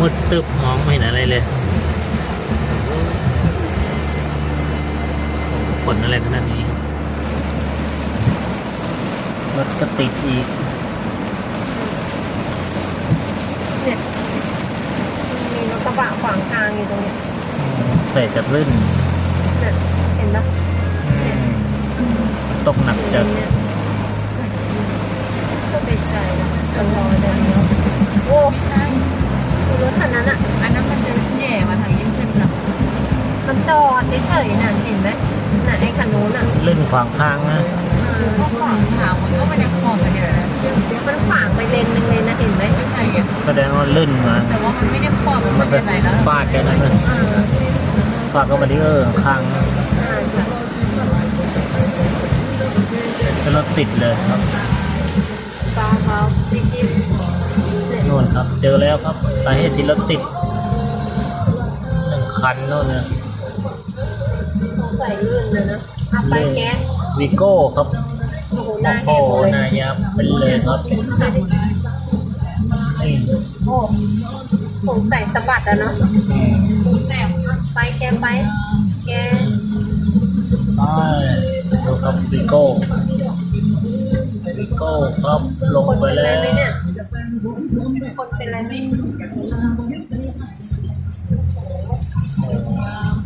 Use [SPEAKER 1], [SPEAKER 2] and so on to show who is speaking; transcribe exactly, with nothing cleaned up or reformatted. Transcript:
[SPEAKER 1] ดตึบมองไม่เห็นอะไรเลยฝนอะไรขนาดนี้รถก็ติดอีก
[SPEAKER 2] เนี่ยมีรถกระบะขวางทางอยู่ตรงนี้
[SPEAKER 1] ใส่จะลื่น
[SPEAKER 2] เนี่ยเห็นปะ
[SPEAKER 1] ตกหนักจัด
[SPEAKER 2] ก็ไปใส่นะจะรอเดี๋ยวนี้โอ้ไม่ใช่รถคันนั้นอ่ะอันนั้นมันจะแย่มาทางยิ่งเช่นหรอมันจอดเฉยๆน่ะเห็นไหมน่ะไอ้คันนู้นอ่ะ
[SPEAKER 1] ลื่นขวางทางนะ
[SPEAKER 2] ก็ขวางทางมันก็มันยังขวางกันเนี่ยมันขวางไปเลนนึงเลยนะเห็นไหมไม่ใช่
[SPEAKER 1] แสดงว่าลื่นมา
[SPEAKER 2] แต่ว่ามันไม่ได้ขวางมันเป็นไหนแล้ว
[SPEAKER 1] ฟาดกันนั่นนะฟาดก็บาริเออร์ข้างสลดติดเลยครับ
[SPEAKER 2] ฟ้าเขาจิ๊บ
[SPEAKER 1] โน่นครับเจอแล้วครับสาเหตุที่รถติดหนึ่งคันโน่นนะ
[SPEAKER 2] ใส่ลื่นเลยนะเอาไปแก๊ส
[SPEAKER 1] วีโก้ครับโอ้โหนายยับเป็นเลยครับนี่
[SPEAKER 2] โอ้ผมใส่สะบัดอะเนาะไปแกไปแก
[SPEAKER 1] ไปดูครับวีโก้วีโก้ครับลงไปแล้ว
[SPEAKER 2] คนเป็นไรไหม